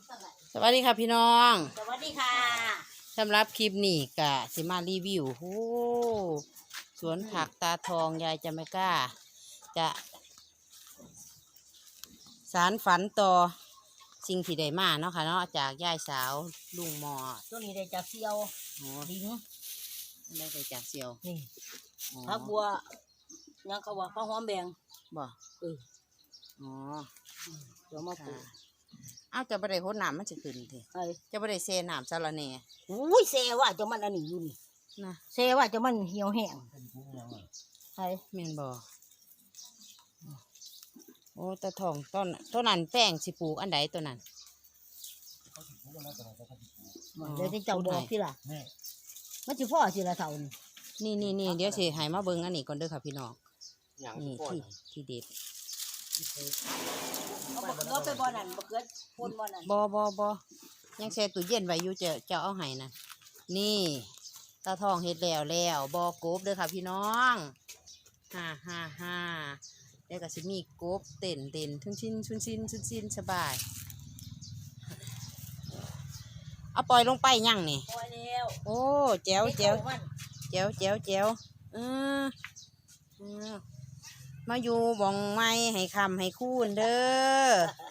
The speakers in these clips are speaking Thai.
สวัสดีค่ะพี่น้องสวัสดีค่ะสำหรับคลิปนี้ก็สิมารีวิวโอ้สวนผักตาทองยายจะไม่กล้า จะสารฝันต่อสิ่งที่ได้มาเนาะค่ะเนาะจากยายสาวลุงหมอตัวนี้ได้จากเซียวโอ้ลิงได้จากเซียวนี่อ๋อผักบัวยังเขาว่าผักหอมแบงบ่เอออ๋อเดี๋ยวมาปลูกเอาจะบ่ได้โหดน้ำมันจะขึ้นทีไอ้จะบ่ได้เซน้ำซาละเน่อุ้ยเซว่าจะมันอันนี้อยู่นี่นะเซว่าจะมันเหี่ยวแห้งไอ้แม่นบ่โอ้ตาทองต้นนั้นแป้งสิปลูกอันใดตัวนั้นเดี๋ยวจะเจ้าบอกที่ล่ะมันจะพ่อสิละเท่านี่นี่เดี๋ยวสิให้มาเบิ่งอันนี้ก่อนเด้อค่ะพี่น้องอย่างนี่ก่อนที่เด็ดเอาบักเขือไปบ่อนั่นบักเขือพ่นบ่อนั่นบ่ยังแช่ตู้เย็นไว้อยู่จะเอาให้นั่นนี่ตาทองเฮ็ดแล้วบ่กบเด้อค่ะพี่น้องฮ่าแล้วก็สิมีกบเต้นชุนชินสบายเอาปล่อยลงไปยังนี่ปล่อยแล้วโอ้แจ๋วเด็กเอามันเออมาอยู่บ่องไม้ให้คำให้คูนเด้อ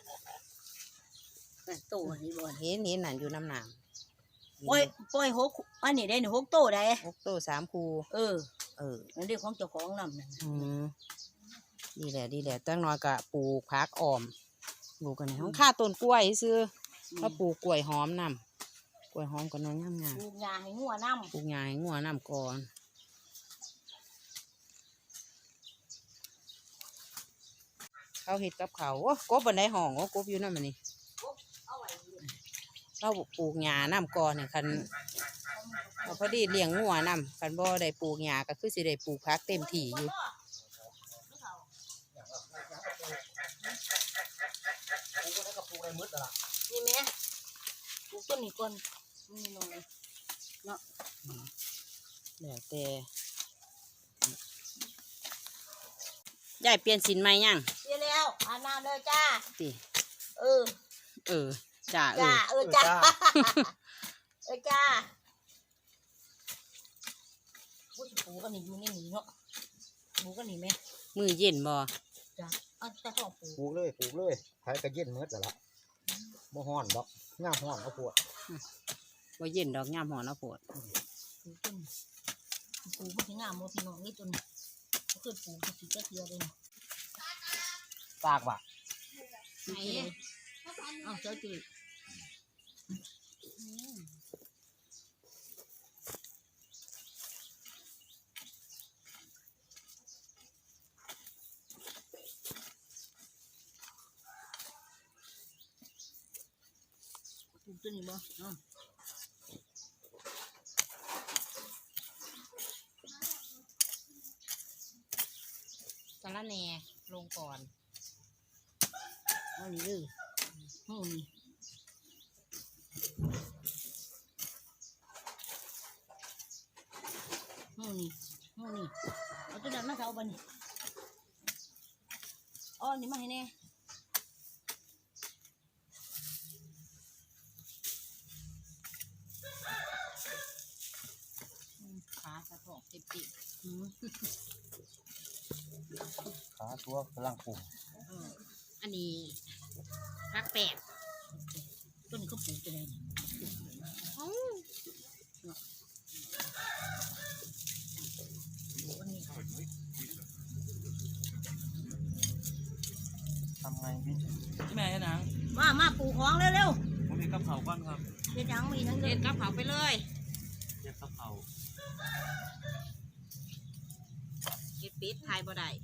นั่นโตนี่บ่เห็นนั่นอยู่น้ำหนามปล่อยหกอันนี้ได้หนึ่งหกโตได้ 6 โต 3 คูเออเออนั่นเรื่องของเจ้าของนำนั่นอืมดีแหละตั้งน้อยก็ปลูกผักอ้อมปลูกกันในห้องค่าต้นกล้วยซื้อก็ปลูกกล้วยหอมนำกล้วยหอมก็น้อยงามปลูกหญ้าให้งัวน้ำปลูกหญ้าให้งัวนำก่อนเขาเห็ดกับเขาโอ้กบบันไดห้องโอ้กบอยู่นั่นมันนี่เอาไว้อยู่เราปลูกหญ้านำก่อนเนี่ยคันเอาพอดีเลี้ยงงัวนำคันบ่ได้ปลูกหญ้าก็คือสิได้ปลูกผักเต็มที่อยู่นี่แม่ปลูกต้นนี้ก่อนนี่หน่อยเนาะแล้วแต่ยายเปลี่ยนสินใหม่ยังเสียแล้วอาบน้ำเลยจ้าติเออจ้าจ้าจ้าจ้าพูดปลูกกันนี่อยู่นี่เนาะปลูกกันนี่ไหมมือเย็นบ่จ้าเอาจะต้องปลูกปลูกเลยไผก็เย็นเมื่อแต่ละบ่ฮ้อนดอกง่ามฮ้อนเอาปวดบ่เย็นดอกงามหอนะโพดปลูกต้นปลูกมันถึงงามโมพี่น้องนี่ต้นก็คือปลูกมันสีเทียเลยปากว่ะไหนเอาเจ้าจืดปลูกต้นนี้บ่สาระแหน่ลงก่อนเอานี่เลยเอานี่เอาตัวนั้นมาเอาบันนี่อ๋อนี่มาให้แน่ขาสะโพกติดขาตัวกำลังปลูกอันนี้พักแปดต้นนี้เขาปลูกจะได้นี่วันนี้ทำไงพี่แม่นางมาปลูกของเร็วผมมีกระเพราก้อนครับๆเดี๋ยวยังมีทั้งเด็เด็ดดกับเผาไปเลยเรียกกระเพราเก็บปิดทายบ่ได้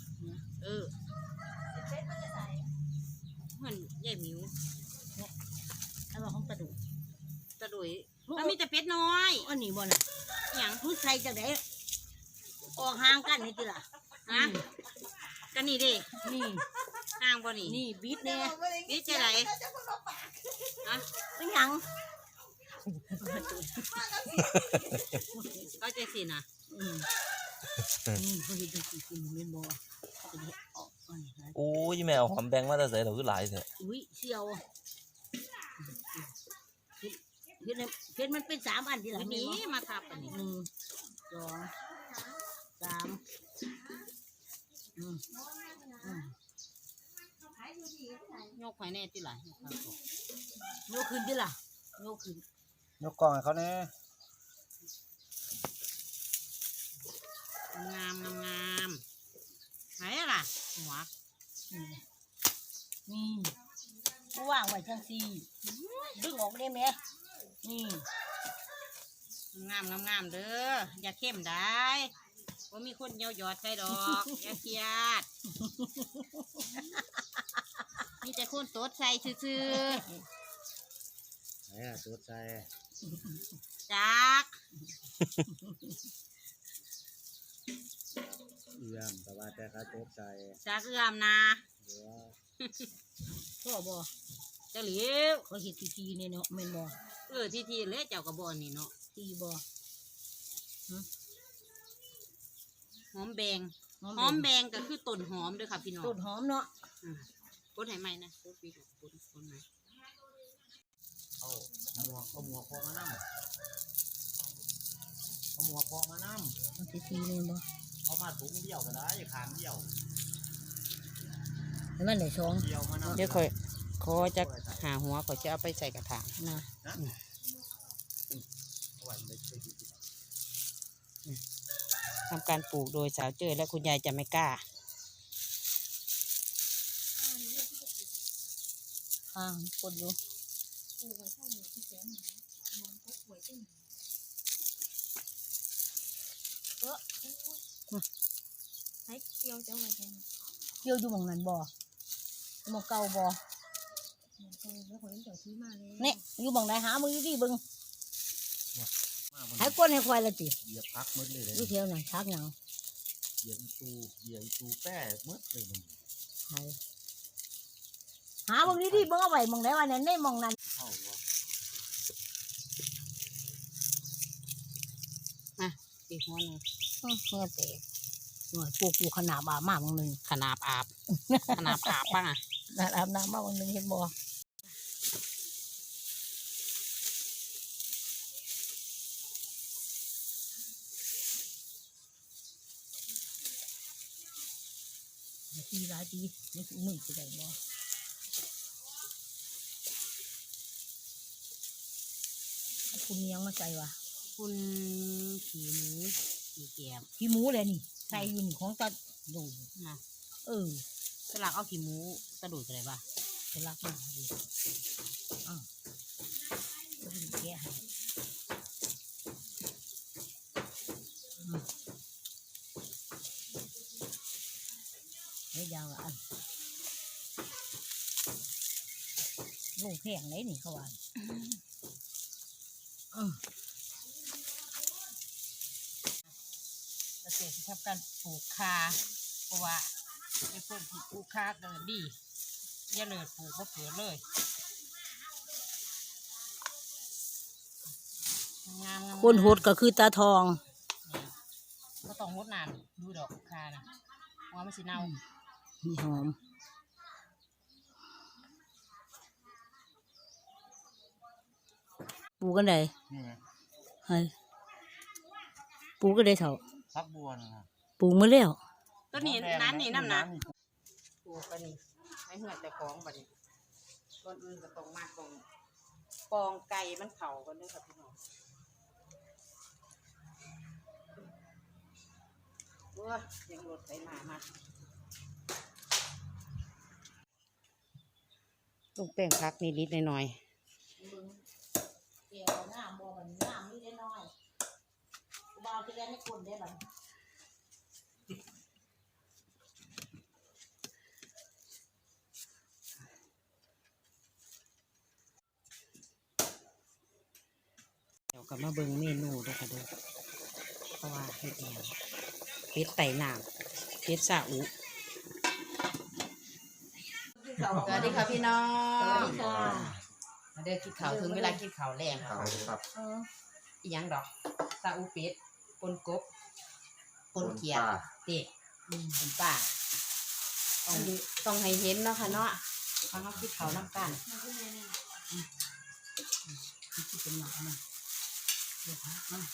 เหมือนใหญ่หมิวเอามาของกระดูกตะดุยมันมีแต่เป็ดน้อยอันนี้บ่น่ะอหย่างผู้ใส่จากไหนออกห่างกันนี่ติล่ะฮะกันนี่ดินี่ห่างบ่นี่นี่บิดแน่นี่จะไหนฮะเป็นหยังก็จะสินะเขาเห็นดูกินเม่นบ่เขาจะออกอันนี้นะโอ้ยแม่เอาหอมแบงมาแต่ใส่เราคือหลายเถอะอุ้ยเชียวเฮ็ดเฮ็ดมันเป็น3อันทีหลังนี้นี่มาทับอันนี้ 1 2 3 ยกไข่แน่ที่หลังโยกขึ้นดิล่ะโยกขึ้นยกกล่องให้เขาแน่งามงามไหนล่ะหัวนี่กูวางไว้จังซี่ดึงออกได้ไหมนี่งามงามเด้ออย่าเข้มได้ว่ามีคนเยาหยอดใส่ดอกอย่าเครียดมีแต่คนโต๊ดใส่ซื่อไหนล่ะตัวใจๆจักเยี่ยมแต่ว่าแต่เขาตัวใจจักเอื้อมนะเดี๋ยวพ่อบ่เจ้าหลิวเขาเฮ็ดทีๆเนี่ยเนาะแม่นบ่ที่เละเจ้ากระบอกนี่เนาะตีบ่หอมแบงหอมแบงก็คือต้นหอมเด้วยค่ะพี่น้องต้นหอมเนาะกดให้ไหมนะกดปีกกดไหมเอาหมวกพอมานั่เอาหมวกพอมานั่เอาทีๆเนี่ยบ่เอามาถุงเดียวก็ได้ขางเดียวให้มันได้สองเดียวมานั่เดี๋ยวค่อยขอจะหาหัวขอจะเอาไปใส่กระถางนะทำการปลูกโดยสาวเจอและคุณยายจะไม่กล้าข้างกดอยู่ให้เกี่ยวจะไว้กันเกี่ยวอยู่หม่องนั้นบ่หม่องเก่าบ่แล้วคนเจ้าซื้อมาเลยเนี่ยอยู่หม่องใดหามืออยู่ดิเบิ่งมาให้กดให้ควายละติเหยียบพักมืดเลยเลยอยู่แถวนั้นทักหยังเหยียบอีตูแป้มืดเลยมันให้หาเบิ่งดิเบิ่งเอาไว้หม่องใดว่านั่นในหม่องนั้นเข้าว่าปีหัวหนึงเงี้ยแต่หน่อยปลูกขนาดบามาหม่องหนึงขนาบอาบ ขนาบอาบบ้างอ่ะนั่นอาบน้ำมาหม่องหนึงเห็นบ่ทีหลายทีนี่คือมึงสิได้บ่คุณยังมาใส่วะคุณขี่หมูขี่แกมขี้หมูเลยนี่ใส่อยู่นี่ของตาดูนะเออสลักเอาขี่หมูกระโดดอะไรบ้างจะรักมากดิอ้าวจะเป็นแก่ให้ไม่ยาวอ่ะอันลูกแข็งไหนนี่เขาว่าเกษตรที่ทำการปลูกคาเพราะว่าไอ้คนที่ปลูกคาเดินดีอย่าเลยปลูกก็เกิดเลยงามๆคนหดก็คือตาทองก็ต้องงดนานดูดอกคานะว่ามันสิเน่ามีหอมปลูกกันได้นี่ไงให้ปลูกกันได้เถอะพักบัวนะครับปลูกมาแล้วต้นนี้น้ำนี่น้ำนะปลูกกันนี่ให้เหือดแต่ของบัดนี้ต้นอื่นก็ต้องมากตรงปองไก่มันเข่ากันด้วยครับพี่น้องว้ายังรถไปมาลูกแป้งพักนิดๆหน่อยเกี่ยวหน้าบ่มันหน้ามีได้น้อยบ่าวที่แรกไม่คนได้บัดๆเดี๋ยวก็มาเบิ่งเมนูด้วยค่ะเด้อเพราะว่าเฮ็ดแนวเป็ดไต่น้ำเป็ดซาอุสวัสดีค่ะพี่น้องมาเด้อกินข้าวถึงเวลากินข้าวแรงเขาครับอีหยังดอกซาอุเป็ดปนกบปนเขียดเด็กปนป่าต้องให้เห็นเนาะค่ะเนาะฟังเขาคิดเขาน้ำกันเป็นหนักนะเดี๋ยวพักนะ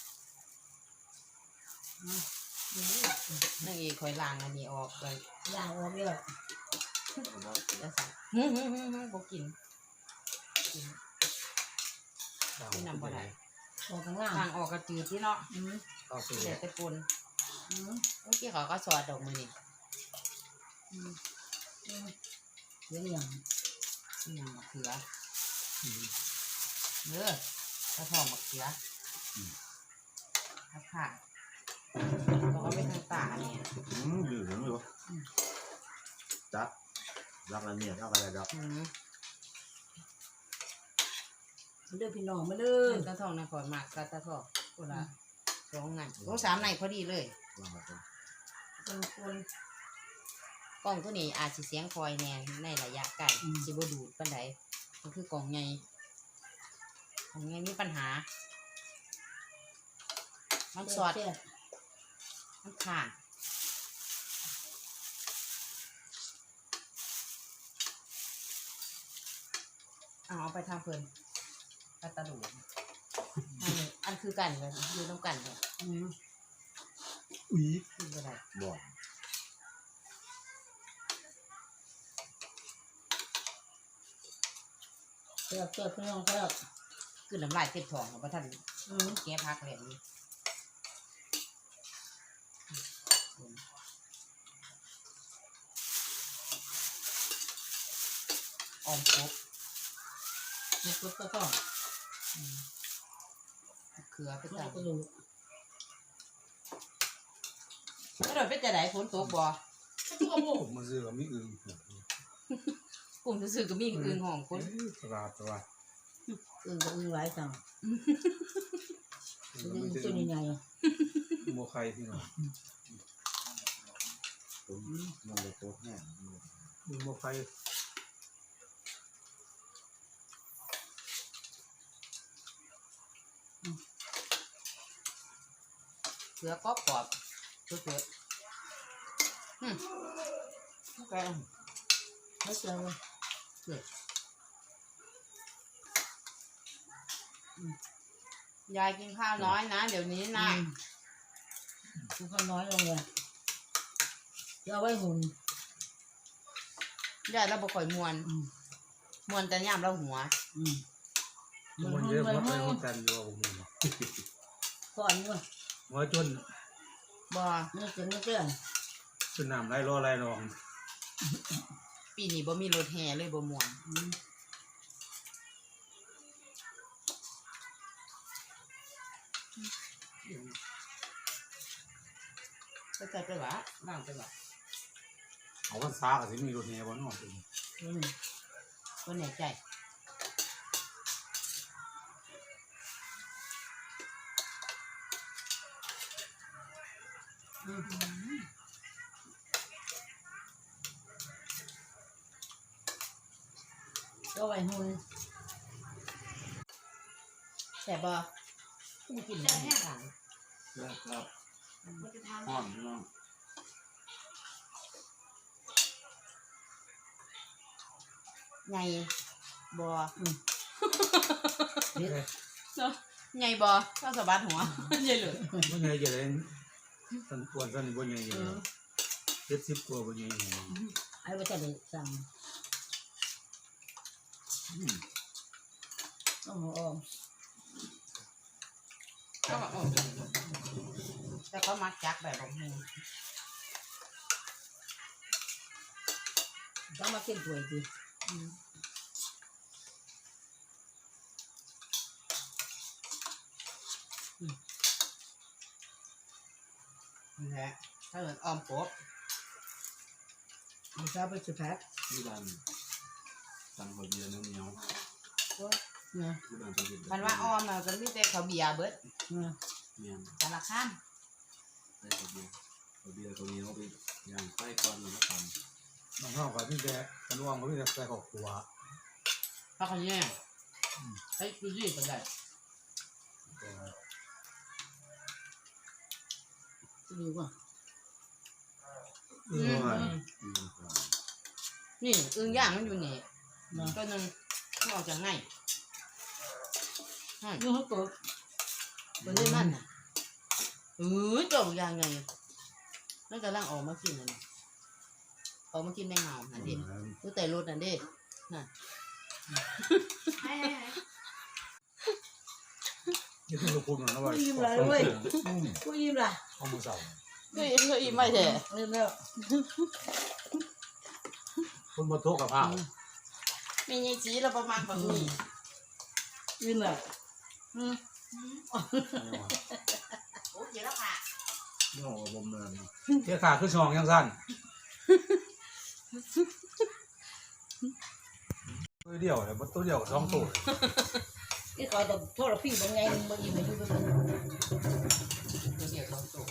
นางเอกคอยล้างอันนี้ออกเลยย่างออกเยอะจะสั่งบ่กินที่นำบ่ได้ออกข้างล่างทางออกกระจืดที่เนาะก็คือเด็ดตะกุนเมื่อกี้เขาก็สอดดอกมือนี่เดี๋ยวอย่างนี่ยังมะเขือเด้อกระทองมะเขือถ้าผ่าเราก็ไปทางตาเนี่ยอยู่ถึงอยู่จัดรักละเมียดเอาอะไรดอกเด้อพี่น้องมาเด้อกระทองนครมากกระทองคนละ2 ไง3 ไงพอดีเลยวางไว้ก่อนคนกล้องตัวนี้อาจจะเสียงคอยแน่ในระยะไกลสิบ่ดูดปานใดมันคือกล่องใหญ่มีปัญหามันสอดแซ่บมันขาดเอาไปทางเพลินกระตะดูอันคือกันเลยอยู่น้ำกันเลยอุ้ยขึ้นไปได้บ่อนแซ่บพี่น้องแซ่บขึ้นน้ำลายเต็มท้องของพระท่านแก้พักแล้วนี่ออมครบมีกรุ๊ปก็ต้องเขือไปกจ้ะระดูกแล้วเราไปจะไหนฝนตกบ่ผมมาซื้อกับมีอื่นกลุ่มซื่อๆก็มีอื่นห้องคนตลาดอึ่งกับอึ่งหลายสั่งอึ่งตัวใหญ่โมไข่ที่หน่อยผมมันเลยโคตรแห้งโมไข่เขือกรอบๆสดๆแกงๆไม่เจอเลยยายกินข้าวน้อยนะเดี๋ยวนี้นะกูก็น้อยลงเลยจะเอาไว้หุ่นยายเราบ่ค่อยมวนแต่ย่ามเราหัวมันเยอะมากเลยคนกันอยู่ผมก่อนด้วยหัวจนบ่ไม่เจอไม่เจอเป็นน้ำไรรอไรนองปีนี้บ่มีรถแห่เลยบ่ม่วนไปใส่ไปหวะล้างไปหวะเอาวันซากับสิมีรถแห่บนนอกบ่แน่ใจก็ไว้หุ่นแซ่บบ่กูกินได้แห้งครับห่อนพี่น้องใหญ่บ่เฮ็ดใหญ่บ่เจ้าสะบัดหัวใหญ่เลยบ่ใหญ่จะได้สันควรสันบ่ใหญ่เลย70ตัวบ่ใหญ่ไอ้ว่าจะได้สั่งต้องหัวออมก็แบบแต่เขามักจักแบบของมึงต้องมากินถ้วยดินี่แหละถ้าเกิดออมกบมันจะไปสุดแพ็คที่บ้านสั่งข้าวเบียร์เหนียวนะที่บ้านต้องกินมันว่าออมมันก็มีแต่ข้าวเบียร์เบิดนะเมียนสารคามได้ข้าวเบียร์ข้าวเบียร์ตัวนี้เอาไปย่างไฟก่อนแล้วก็ทำน้องเขาก็มีแต่กันว่างก็มีแต่ใส่ข้าวคั่วเพราะเขาเนี่ยเฮ้ยดูสิเป็นไงดูก่อนนี่อึ่งย่างมันอยู่นี่ตัวหนึ่งมันออกจากไงนี่เขาเกิดวันนี้มันน่ะเจ้าอย่างไงนั่นกำลังออกมากินนั่นน่ะออกมากินแมงเม่านั่นดิรู้แต่รถนั่นดิน่ะนี่คือลูกคุณนะว่ากูยิ้มไรเว้ยกูยิ้มไรเอามือเสาก็อีไม่แท้ลืมแล้วคนมาโต๊ะกับข้าวมีไงจีเราประมาณแบบนี้ยิ้มเลยโอ้ยแล้วค่ะนี่ของผมเลยเที่ยขาขึ้นช่องยังสั้นตัวเดียวเลยตัวเดียวสองตัวที่เขาต้องโทษพี่บางไงบางทีไม่รู้เป็นเดี๋ยวเราตัว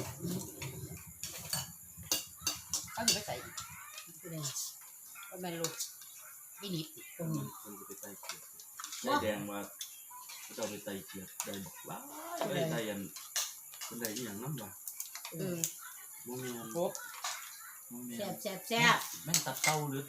เขาอยู่ไม่ใส่ก็ไม่รู้ไม่นิดคนจะไปไต่เกียร์ได้แดงมาจะเอาไปไต่เกียร์ได้บอกว่าได้ไต่ยันคนใดที่อย่างนั้นวะโมเมนครบแซ่บแซ่บแซ่บแม่งตัดเต้าหรือ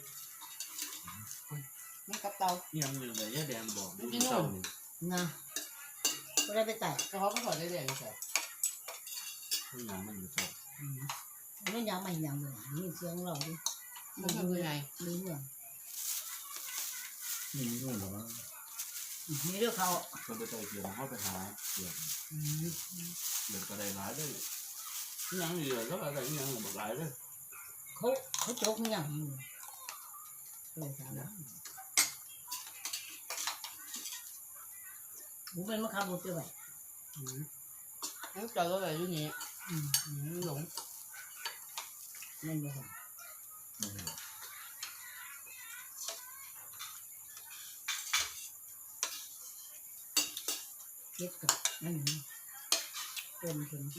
ไม่กับเตานี่ยังอยู่เลยแดงบอกไม่เต้านี่นะก็ได้ไปไต่แต่เขาก็ถอดได้เลยไม่ใช่ที่ยังมันอยู่เต้าไม่ยังไม่ยังเลยนี่เสียงเราดิมันคือไงมีเรื่องนี่นู่นหรอมีเรื่องเขาคนไปไต่เกียร์เขาไปหาเกียร์เดี๋ยวก็ได้ร้ายด้วยยังอยู่แล้วอะไรยังบอกร้ายด้วยเขาโจกยังอยู่เลยถามว่าผมเป็นมะขามบดด้วยแล้วเจอก็เลยอยู่นี่หลงนั่นบ่ครับเก็บกับนั่นนี่เป็น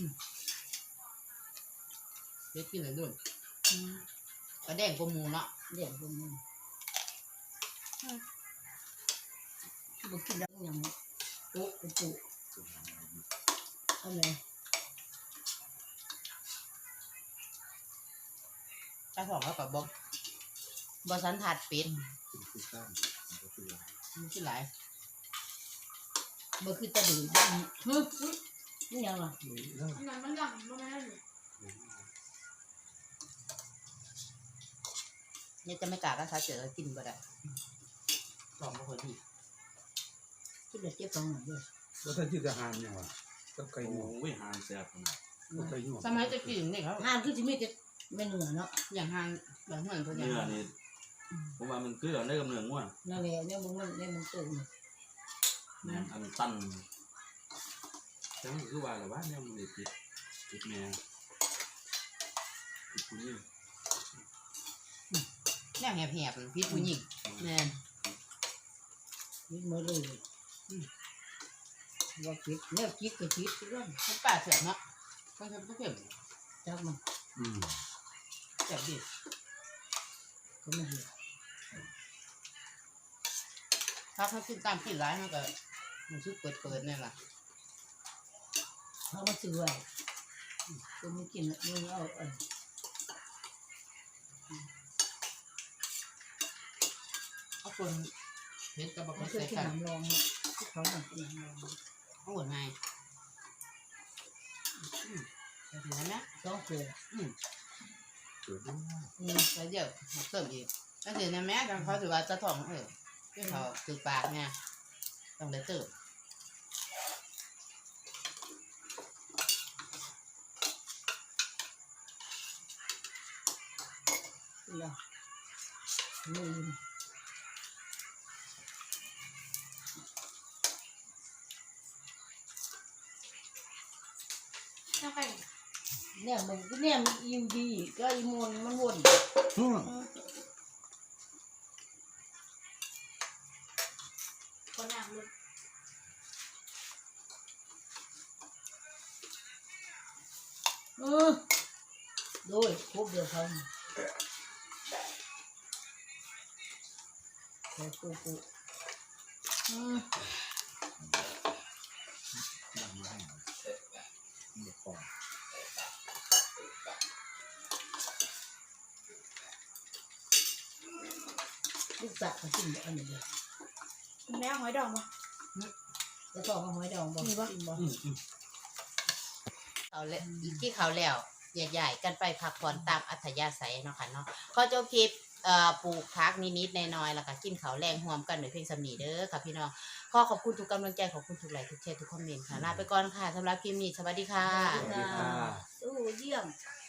เด็กกินอะไรด้วยกระแดงกมูเนาะเดี๋ยวผมบอกกินแล้วยังปุ๊บปุ๊บอะไรถ้าสองแล้วกับบอสันถัดเป็ดมันคือหลายบอกคือตะดุยนี่ยังล่ะอันนั้นมันหลังมันไม่ได้อยู่เนี่ยจะไม่กล้าก็ถ้าเจอกินบ่ได้ลองบ่ค่อยดีคิดเด็ดเจ็บตรงไหนด้วยแล้วถ้าจิตจะหานยังวะก็ไก่หมูไม่หานแซ่บก็ไก่หมูสมัยจะกินนี่ครับห้ามคือจะมีแต่ไม่เหนือเนาะอย่างห่างแบบเหมือนคนอเนื้ย่างอนี่ผมว่ามันคือได้กำเนิดง่วงนั่นแหละเนี่ยมึงตื่นอันตันแต่มันคือว่าอะไรวะเนี่ยมันติดแม่ติดคุณนี่เนี่ยแหบๆพิษผู้หญิงแม่นคิดมาเลยว่าคิดเนี่ยคิดก็คิดเรื่องมันป่าเสือเนาะมันจะเข็มจับมันแซ่บดีก็ไม่เห็นถ้าเขากินตามกินร้ายมันก็มันชื่อเปิดเนี่ยล่ะเขามาซื้อไว้ก็ไม่กินมึงเอาเอาคนเห็นกับบอกเขาเขาเคยใส่กินกันน้ำรองที่เขาหนักกินน้ำรองเอาหมดไงแต่ถึงแล้วนะต้องเกลือแล้วเดี๋ยวเติมอีกแล้วถึงนะแม่กันเขาถือว่าจะถ่องที่เขาถือปากเนี่ยต้องได้เติมแล้วมือถ้าใครเนี่ยมันเนี่ยมันอิ่มดีก็อิ่มวนมันวนคนหนักเลยโดยครบเดียวเขาแต่ปุ๊ลูกสาวเขากินอันนี้เลยคุณแม่หอยดองมาจะสอบมาหอยดองบ่มีบ่กินบ่เอาเลยที่เขาแล้วใหญ่ๆกันไปพักผ่อนตามอัธยาศัยเนาะค่ะเนาะขอจบคลิปปลูกพักนิดๆน้อยๆแล้วก็กินข้าวแรงห่วมกันด้วยเพลงสำนีเด้อค่ะพี่น้องขอขอบคุณทุกกำลังใจขอบคุณทุกไลค์ทุกแชร์ทุกคอมเมนต์ค่ะลาไปก่อนค่ะสำหรับคลิปนี้สวัสดีค่ะสวัสดีค่ะสู้เยี่ยม